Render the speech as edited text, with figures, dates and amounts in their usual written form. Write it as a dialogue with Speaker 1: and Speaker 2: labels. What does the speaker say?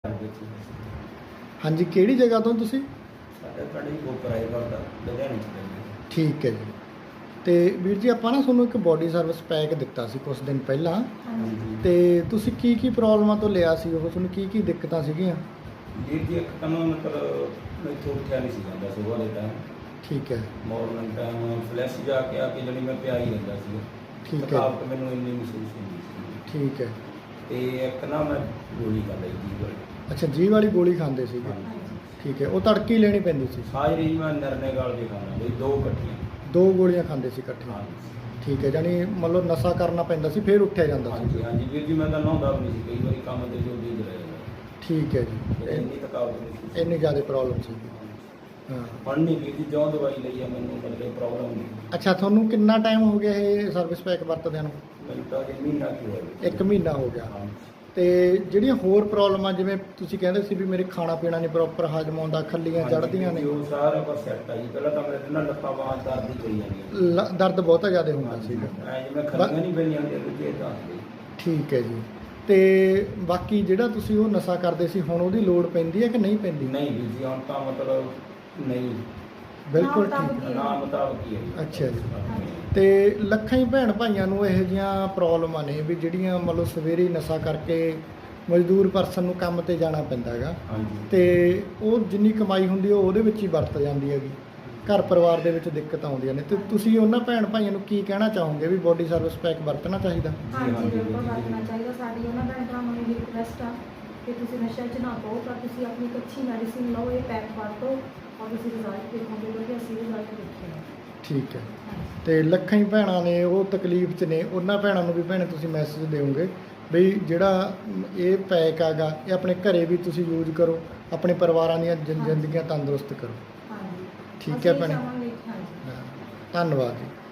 Speaker 1: हाँ जी, किहड़ी जगह तो तुसीं?
Speaker 2: साडा पिंड जी गोपराए करदा लुधियाणे च पैंदा।
Speaker 1: ठीक है जी। तो वीर जी आपां ना तुहानूं एक बॉडी सर्विस पैक दिता सी कुछ दिन पहलां
Speaker 2: ਹਾਂਜੀ
Speaker 1: ते तुसीं की प्रॉब्लमां तो लिया सी ओह तुहानूं की दिक्कतां सीगीਆਂ?
Speaker 2: ਵੀਰ ਜੀ ਇੱਕ ਤਾਂ ਨਾ ਮਤਲਬ ਮੈਥੋਂ ਉੱਠਿਆ ਨਹੀਂ ਸੀ ਜਾਂਦਾ ਸੁਬਾਹ ਦੇ ਟਾਈਮ
Speaker 1: ठीक है
Speaker 2: ਮਾਰਨਿੰਗ ਟਾਈਮ ਫਲੈਸ਼ ਜਾ ਕੇ ਆ ਕੇ ਜਿਹੜੀ ਮੈਂ ਪਿਆ ਹੀ ਰਹਿੰਦਾ ਸੀ।
Speaker 1: ठीक है
Speaker 2: ਥਕਾਵਟ ਮੈਨੂੰ ਇੰਨੀ ਮਹਿਸੂਸ ਹੁੰਦੀ ਸੀ
Speaker 1: ठीक है।
Speaker 2: ਤੇ ਇੱਕ ਨਾ ਮੈਂ ਗੋਲੀ ਖਾ ਲਈ ਜੀ ਵਾਲੀ।
Speaker 1: अच्छा जी वाली गोली खांदे सीगे? ठीक है, वो तड़की लेनी पैंदी सी?
Speaker 2: ਸਾਜਰੀ ਮੈਂ ਨਰਨੇ ਗਾਲ ਦੇ ਖਾਣਾ ਬਈ ਦੋ ਇਕੱਠੀਆਂ।
Speaker 1: दो गोलियां खांदे सी इकट्ठियां?
Speaker 2: ਹਾਂਜੀ
Speaker 1: ठीक है, जानी मतलब नशा करना पैंदा सी फिर उठिया जांदा सी?
Speaker 2: ਹਾਂਜੀ ਹਾਂਜੀ ਵੀਰ ਜੀ ਮੈਂ ਤਾਂ ਨਹਾਉਂਦਾ ਵੀ ਨਹੀਂ ਸੀ ਕਈ ਵਾਰੀ ਕੰਮ ਤੇ ਜੋ ਵੀ ਰਹਿ ਜਾਂਦਾ।
Speaker 1: ठीक है जी।
Speaker 2: ਇੰਨੀ ਥਕਾਵਟ ਨਹੀਂ ਸੀ।
Speaker 1: इन्नी ज़्यादा प्रॉब्लम सी? हाँ।
Speaker 2: ਹੁਣ ਨਹੀਂ ਵੀਰ ਜੀ ਜੋ ਦਵਾਈ ਲਈ ਆ ਮੈਨੂੰ ਮਤਲਬ ਪ੍ਰੋਬਲਮ ਨਹੀਂ।
Speaker 1: अच्छा, ਤੁਹਾਨੂੰ ਕਿੰਨਾ ਟਾਈਮ ਹੋ ਗਿਆ ਇਹ ਸਰਵਿਸ ਪੈਕ ਵਰਤਦਿਆਂ ਨੂੰ?
Speaker 2: ਮੈਨੂੰ ਤਾਂ ਜੀ ਮਹੀਨਾ ਕੀ ਹੋਇਆ।
Speaker 1: 1 ਮਹੀਨਾ ਹੋ ਗਿਆ।
Speaker 2: ਹਾਂ
Speaker 1: ਤੇ ਜਿਹੜੀਆਂ ਹੋਰ ਪ੍ਰੋਬਲਮਾਂ ਜਿਵੇਂ ਤੁਸੀਂ ਕਹਿੰਦੇ ਸੀ ਵੀ ਮੇਰੇ ਖਾਣਾ ਪੀਣਾ ਨਹੀਂ ਪ੍ਰੋਪਰ ਹਜਮ ਆਉਂਦਾ, ਖੱਲੀਆਂ ਚੜ੍ਹਦੀਆਂ ਨੇ,
Speaker 2: ਉਹ ਸਾਰਾ ਕੁਝ ਸੈੱਟ ਆ ਜੀ। ਪਹਿਲਾਂ ਤਾਂ ਮੇਰੇ ਨਾਲ ਲੱਤਾਂ ਬਾਹਾਂ ਦਰਦ ਹੀ ਕਰੀ ਜਾਂਦੀਆਂ।
Speaker 1: ਦਰਦ ਬਹੁਤਾ ਜ਼ਿਆਦਾ ਹੁੰਦਾ ਸੀਗਾ?
Speaker 2: ਐ ਜਿਵੇਂ ਖੱਲੀਆਂ ਨਹੀਂ ਪੈਂਦੀਆਂ ਹੁੰਦੀਆਂ ਦੂਜੇ ਤਾਂ।
Speaker 1: ਠੀਕ ਹੈ ਜੀ। ਤੇ ਬਾਕੀ ਜਿਹੜਾ ਤੁਸੀਂ ਉਹ ਨਸ਼ਾ ਕਰਦੇ ਸੀ ਹੁਣ ਉਹਦੀ ਲੋੜ ਪੈਂਦੀ ਹੈ ਕਿ ਨਹੀਂ ਪੈਂਦੀ?
Speaker 2: ਨਹੀਂ ਵੀਰ ਜੀ ਹੁਣ ਤਾਂ ਮਤਲਬ ਨਹੀਂ
Speaker 1: ਬਿਲਕੁਲ ਠੀਕ ਹੈ।
Speaker 2: ਨਾ ਮੁਤਾਬਕ ਹੀ ਹੈ ਜੀ।
Speaker 1: ਅੱਛਾ ਜੀ। ਤੇ ਲੱਖਾਂ ਹੀ ਭੈਣ ਭਾਈਆਂ ਨੂੰ ਇਹੋ ਜਿਹੀਆਂ ਪ੍ਰੋਬਲਮਾਂ ਨੇ ਵੀ ਜਿਹੜੀਆਂ ਮਤਲਬ ਸਵੇਰੇ ਨਸ਼ਾ ਕਰਕੇ ਮਜ਼ਦੂਰ ਪਰਸਨ ਨੂੰ ਕੰਮ ਤੇ ਜਾਣਾ ਪੈਂਦਾ ਹੈਗਾ
Speaker 2: ਹਾਂਜੀ
Speaker 1: ਤੇ ਉਹ ਜਿੰਨੀ ਕਮਾਈ ਹੁੰਦੀ ਉਹ ਉਹਦੇ ਵਿੱਚ ਹੀ ਵਰਤ ਜਾਂਦੀ ਹੈਗੀ, ਘਰ ਪਰਿਵਾਰ ਦੇ ਵਿੱਚ ਦਿੱਕਤ ਆਉਂਦੀਆਂ ਨੇ। ਤੇ ਤੁਸੀਂ ਉਹਨਾਂ ਭੈਣ ਭਾਈਆਂ ਨੂੰ ਕੀ ਕਹਿਣਾ ਚਾਹੋਗੇ ਵੀ ਬੋਡੀ ਸਰਵਿਸ ਪੈਕ ਵਰਤਣਾ ਚਾਹੀਦਾ?
Speaker 3: ਹਾਂਜੀ ਬਿਲਕੁਲ ਵਰਤਣਾ ਚਾਹੀਦਾ। ਸਾਡੀ ਉਹਨਾਂ ਭੈਣ ਭਰਾਵਾਂ ਨੂੰ ਵੀ ਰਿਕੁਐਸਟ ਆ ਕਿ ਤੁਸੀਂ ਨਸ਼ਾ 'ਚ ਨਾ ਪਾਓ, ਪਰ ਤੁਸੀਂ ਆਪਣੀ ਇੱਕ ਅੱਛੀ ਮੈਡੀਸਿਨ ਲਓ, ਇਹ ਪੈਕ ਵਰਤੋ ਔਰ ਤੁਸੀਂ ਰਿਜ਼ਲਟ ਦੇਖੋਗੇ ਕਿਉਂਕਿ ਅਸੀਂ ਰਿਜ਼ਲਟ ਦੇਖੇ ਨੇ।
Speaker 1: ਠੀਕ ਹੈ। ਤੇ ਲੱਖਾਂ ਹੀ ਭੈਣਾਂ ਨੇ ਉਹ ਤਕਲੀਫ 'ਚ ਨੇ, ਉਹਨਾਂ ਭੈਣਾਂ ਨੂੰ ਵੀ ਭੈਣੇ ਤੁਸੀਂ ਮੈਸੇਜ ਦਿਓਗੇ ਵੀ ਜਿਹੜਾ ਇਹ ਪੈਕ ਹੈਗਾ ਇਹ ਆਪਣੇ ਘਰੇ ਵੀ ਤੁਸੀਂ ਯੂਜ਼ ਕਰੋ, ਆਪਣੇ ਪਰਿਵਾਰਾਂ ਦੀਆਂ ਜ਼ਿੰਦਗੀਆਂ ਤੰਦਰੁਸਤ ਕਰੋ।
Speaker 3: ਹਾਂਜੀ
Speaker 1: ਠੀਕ ਹੈ ਭੈਣੇ।
Speaker 3: ਅਸੀਂ ਚਾਹਾਂਗੇ। ਹਾਂਜੀ
Speaker 1: ਧੰਨਵਾਦ ਜੀ।